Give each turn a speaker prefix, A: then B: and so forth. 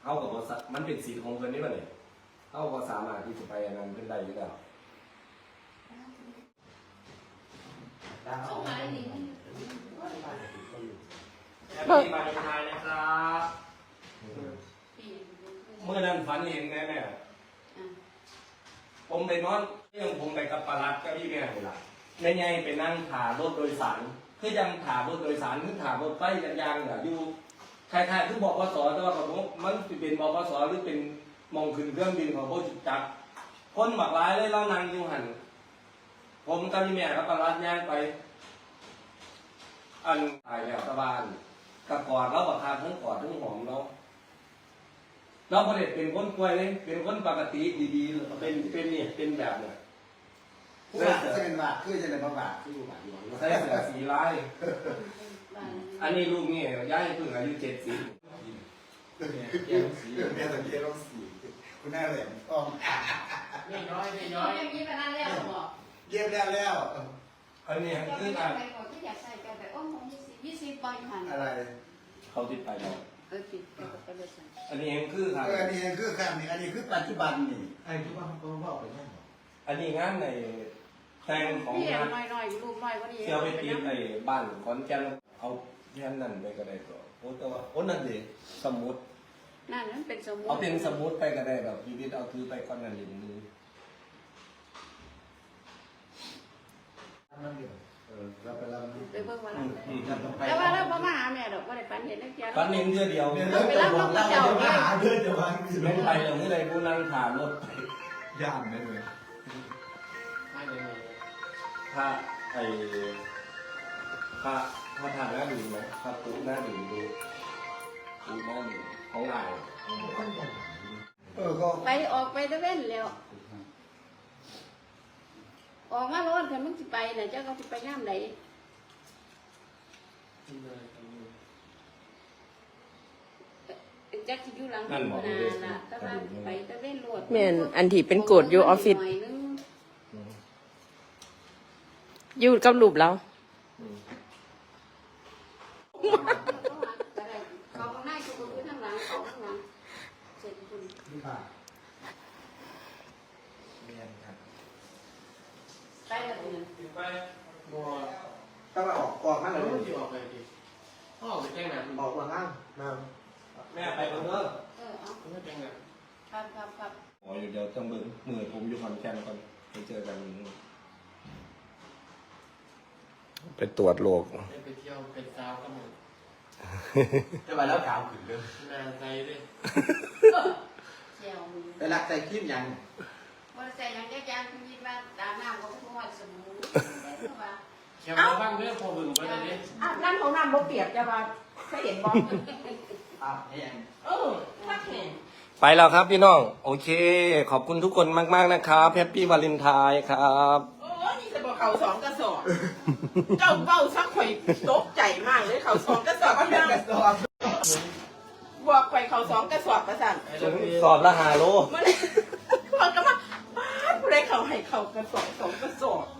A: เขากับมันเป็นสิทธิ์ของเพิ่นนี่ป่ะเนี่ยเขาก็สามารถที่จะไปอันนั้นขึ้นได้อยู่แล้วแฮปปี้มาทายนะครับเมื่อนั้นฝันเห็นแม่ผมไปนอนเรื่องผมไปกับปลัดกับพี่แม่เลยล่ะแม่ใหญ่ไปนั่งถ่ารถโดยสารคือยังถ่ารถโดยสารคือถ่ารถไฟยางๆเนี่ยอยู่คล้ายๆคือบอกว่าสอแต่ว่าผมมันเป็นบอกว่าสอหรือเป็นมองขึ้นเครื่องบินของโบจิจักคนหมักร้ายเลยเรานั่งอยู่หันผมกับพี่แม่กับปลัดย่างไปอันตายแล้วตะบานกับกอดเราบักคาทั้งกอดทั้งหอมเราประเด็นเป็นคนป่วยเลยเป็นคนปกติดีๆเป็นเนี่ยเป็นแบบเนี่ย
B: ผู้บาดจะเป็นบาดคือจะเป็นบาดคือผู้บาดอยู่
A: ใส่เสื้อสีลายอันนี้ลูกนี่ย้ายเพิ่งอายุ70
B: แม่สังเกตต้องสีคุณแม่แหลมต้อง
C: ไม่น้อยอย่างนี้ไปนั่นแล้วหรอ
B: เย็บแล้ว
A: อันนี้คือ
C: การไปก่อนที่อยากใส่กันแต่อ้อมของ20ใบหัน
B: อะไร
A: เขาติดไปแล้ว
C: ติดไปเลย
A: อันนี้เองคือครับ
B: อันนี้คือครับนี่อันนี้คือปัจจุบันนี่
D: ไอ้ที่ว่าเขาบอกไปนั่น
A: อันนี้งานในแต่งของงาน
C: น้อยรูปน้อยกว่านี้
A: เที่ยวไปตีในบ้านขอนแก่นเอาแค่นั้นไปก็ได้ก็โอ้แต่ว่าโอ้นั่นดิสมุด
C: นั่นเป็นสมุด
A: เอาเป็นสมุดไปก็ได้แบบชีวิตเอาถือไปก่อนนั่นอย่างนี้
B: เราไปรับ
C: ไปเบิ่งมาแล้วว่าเรามาหาแม่ดอกว่าได้ปันเห็นนักเรียน
A: ปันเห็นเดียว
C: ไปรับลูกเจ้า
B: เนี่ยหาเพื่อนจะวาง
A: ไม่ไปหรอกที่ใดผู้นั่งถามรถไป
B: ย่านได้เลย
A: ถ้าไอ้ถ้าทางหน้าดื่มไหมถ้าปุ๊บหน้าดื่มดูปุ๊บหน้าดื่มของลาย
C: ก็ไปออกไปตะเว้นแล้วออกมาโลดค่ะมึงสิไปน่ะเจ้าก็สิไปย่ามไหนจักสิอยู่หลังนาล่ะแต่ว่าไปตะเว้นโลด
E: แม่นอันที่เป็นกฎอยู่ออฟฟิศอยู่กับรูปแล้ว
C: เขาข้างในกูคือข้างหลังเขาข้างหลังเสร็จคุณไปแล้วเนี่ย
A: ไป
D: บัว
B: ต้องออกมาเลย
D: ที่ออกไปดิพ่อไปแจ้งหนัก
B: ออกมาล่างมา
A: แม่ไปคนเด้อ
C: เอา
D: ไม่แจ้งหนัก
C: ครับ
A: อ๋อเดี๋ยวต้องเบิ่งมือผมอยู่ขอนแก่นก่อนไปเจอกันไปตรวจโรค
D: ไปเที่ยวเป็นสาวก็หมด
B: จะมาแล้วขาวขึ้นเลย
D: นาใจเลย
B: ไปรักใจขี้มยัง
C: ว่าใส่ยังแก่ๆคุณยินว่าตามน้ำเขาพูดว่าสมุน
D: เขียวบ้างเรื่องพอบึงไปเลยดิ
E: นั่นของน้ำบ่เปียกจะมาเคยเห็นบ่
B: ยัง
E: ถ้าเห็น
A: ไปแล้วครับพี่น้องโอเคขอบคุณทุกคนมากๆนะครับแฮปปี้วาเลนไทน์ครับ
E: นี่จะบอกเขา2 กระสอบเจ้าเบ้าซักข่อยตกใจมากเลยเขา2 กระสอบมันกระสอบบวกข่อยเขา2 กระสอบประสัน
A: สอบละ5 โล
E: มันก็มาบ้านผู้ใดเขาให้เขากระสอบ2 กระสอบ